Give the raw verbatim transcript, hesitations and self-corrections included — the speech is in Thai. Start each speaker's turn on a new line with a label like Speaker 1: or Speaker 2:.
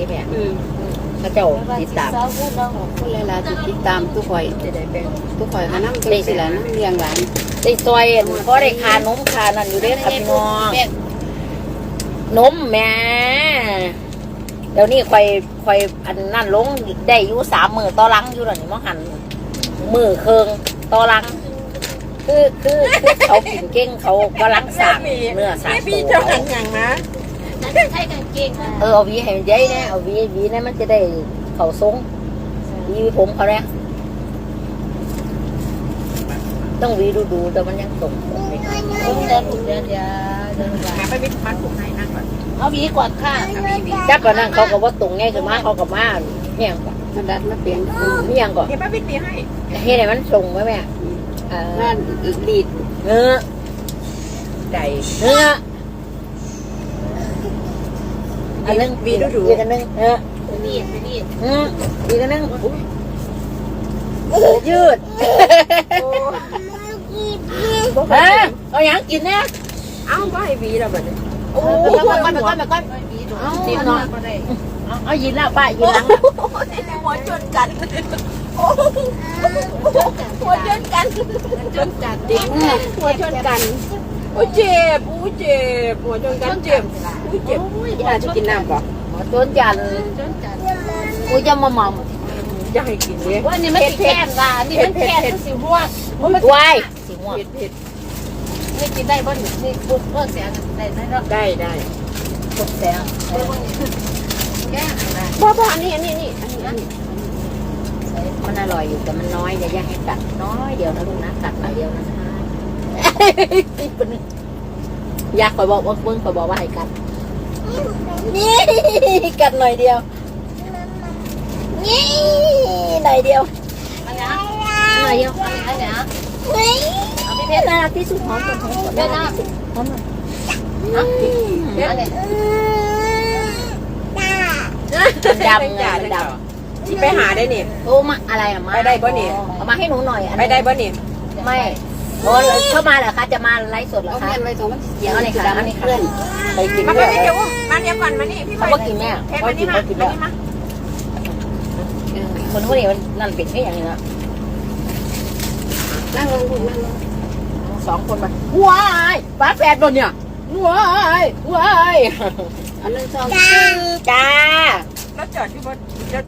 Speaker 1: นี่แม่
Speaker 2: อืม
Speaker 1: พระเจ้าติดตาม
Speaker 2: คนหลายๆที่ติดตามทุกข่อย
Speaker 1: จะได้แบ่ง
Speaker 2: ทุกข่อยก็นำเป็นสิล่ะนำเลี้ยงหลาน
Speaker 1: ได้ซอยเพราะได้คานมคานั่นอยู่เด้อค่ะพี่น้องนมแม่เดี๋ยวนี้คอยคอยอันนั่นลงได้อยู่สามมือต่อหลังอยู่หรอนี่มองหันมือเคืองต่อหลัง คือคือคือเขากินเก่งเขากำลังสั่งเนื้อสั่ง
Speaker 2: พี่
Speaker 1: ตั
Speaker 2: เจ้าว หันอย่างนะ
Speaker 3: นั่นใช่กางเกงค่ะ
Speaker 1: เออเอาวีให้มันใหญ่เนี่ยเอาวีวีเนี่ยมันจะได้เขาทรงวีผมเขาเนี่ยต้องวีดูดูแต่มันยังตรงไม่ได้
Speaker 3: ผมเดินผมเดินเดี๋ยวเดินหลัง
Speaker 2: หาไปวิทย์มัดผมให้นั่งก่อน
Speaker 3: เอาหวีก่อนค่ะ
Speaker 1: จับก่อนนั่งเขาก็ว่าตรงไงคือมาเขากับมาเนี่ยงก่อน
Speaker 2: มาดัดมาเปลี่ยน
Speaker 1: เนี่ยงก่อน
Speaker 2: เดี๋ยวป้าวิทย์ตีให้
Speaker 1: เฮ้ยไหนมันส่งไหมแม่เออ
Speaker 2: นั่นดีด
Speaker 1: เนื้อ
Speaker 2: ใจ
Speaker 1: เนื้ออันนึง
Speaker 2: วีดูดู
Speaker 1: อีกอันนึงเออ
Speaker 3: ไปนี่ไปนี่
Speaker 1: อืมอีกอันนึงยืด ฮะเอาอย่างกินเนี่ย
Speaker 2: เอ้าก็ให้วีเราแบบนี้
Speaker 1: โอ้
Speaker 3: ไป
Speaker 1: ย
Speaker 3: ก่อนไปก่อนไปก่อนไปหวีดู
Speaker 1: จีนเนาะเอายินแล้วป้ายินหลัง
Speaker 2: หัวชนกันหัวชนกัน
Speaker 3: จนจัด
Speaker 2: หัวชนกันโอ้เจ็บโอ้เจ็บหัวชนกันเจ็บโอ้เจ็บอยากจะกินน้ำป่ะ
Speaker 1: จนจัน
Speaker 3: จนจัด
Speaker 1: กูจะมาหม่อม
Speaker 2: อยากให้กินเลย
Speaker 3: ว่านี่มันสิแค้นว่ะนี่มันแค้นมันสิหัว
Speaker 1: วายสิม่วง
Speaker 2: เผ็ดเผ็ด
Speaker 3: นี่กินได้บ่นี่นี่ปุ๊บเพิ่มเสียงได้ได้เนาะ
Speaker 2: ได้ได้
Speaker 1: สดแสง
Speaker 3: แก้นะ
Speaker 2: พ่อพ่ออันนี้อันนี้นี่อันนี้อันนี้
Speaker 1: มันอร่อยอยู่แต่มันน้อยอย่าอยากให้กัดน้อยเดียวนะลูกนะกัดหน่อยเดียวนะคะอยากคอยบอกว่าเบิ้งคอยบอกว่าให้กัดนี่กัดหน่อยเดียวนี่หน่อยเดียว
Speaker 3: อันนี้
Speaker 1: หน่อยเดียว
Speaker 3: อันนี้
Speaker 1: เอาพี่เพชรน่ารักที่สุดหอมสุดหอมสุด
Speaker 3: เดี๋ยวนะ
Speaker 1: หอมหน่อย
Speaker 3: อันนี้
Speaker 1: ดำไงมันดำ
Speaker 2: ที่ไปหาได้นี่
Speaker 1: โอ้มาอะไรอะมา
Speaker 2: ไปได้บ่นี่
Speaker 1: เอามาให้หนูหน่อยอัน
Speaker 2: ไป
Speaker 1: นี้
Speaker 2: ได้บ่นี่
Speaker 1: ไม่โอ้เข้ามาเหรอคะจะมาไลฟ์สดเหรอ
Speaker 2: เอา
Speaker 1: คะ
Speaker 2: เงินไว้ตรงมัน
Speaker 1: เดี๋ยวอะไรคะอันนี้เพื่อนไปกิน
Speaker 2: มา
Speaker 1: ด้
Speaker 2: ไป
Speaker 1: วย
Speaker 2: เดี๋ยวมาเดี๋ยวก่อนมานี่พี่
Speaker 1: เขาบอกกินแม่
Speaker 2: เพชร
Speaker 1: เขา
Speaker 2: มา
Speaker 1: กิ
Speaker 2: นี่
Speaker 1: น
Speaker 2: มา
Speaker 1: เขากินแล้ว
Speaker 2: มา
Speaker 1: คนพวกนี้มันนั่นเป็นแค่อย่างนี้นะ
Speaker 2: นั่งลงลูกนั่งลง
Speaker 1: สองคนมาว้ายฟ้าแฝดโดนเนี่ยว้ายว้าย
Speaker 2: อันนึงสอง
Speaker 1: จ้า
Speaker 2: แล้วจอดที่บน